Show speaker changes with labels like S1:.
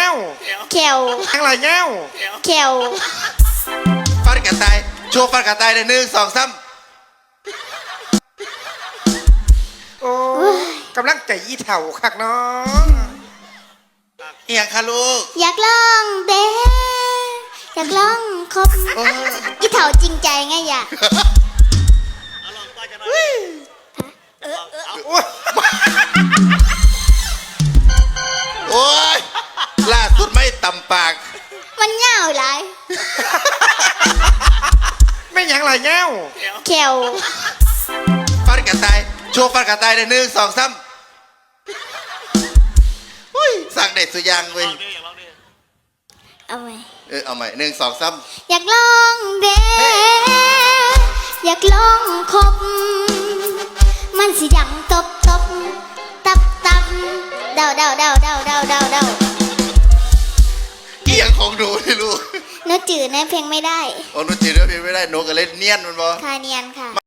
S1: ว
S2: แขว
S1: ยังไรเงี้ยว
S2: แขว
S3: ฟันกระต่ายโชว์ฟันกระต่ายได้1 2 3
S1: โอ้กำลังใจอีเถ่าคักเนาะ
S3: เอียงค่ะลูก
S2: อยากลองเด้อยากลองคบ
S3: โอ้ย
S2: อีเถาจริงใจไงอย่า
S1: โอ้ย
S3: โอ้ยล่าสุดไม่ตำปาก
S2: มันเหงาหลาย
S1: ไม่ยังไรเงี้ยว
S2: แขว
S3: ฟันกระต่ายโชว์ฟันกระต่ายได้1 2 3อุ้ยสั่งได้สุดยังเว้ย
S2: เอาไหม
S3: เอาใหม่1 2 3
S2: อยากลองเด้อยากลองคบ มันสิดังตบตบตับตับเดาเดาเดาเดาเดาเดาเดา
S3: เอียงของหนูนี่ลูก
S2: นึกจืดนะเพลงไม่ได้
S3: โอ้หนูจีนเรื่องเพลงไม่ได้หนูก็เล่นเนียนมันบ่
S2: คาเนียนค่ะ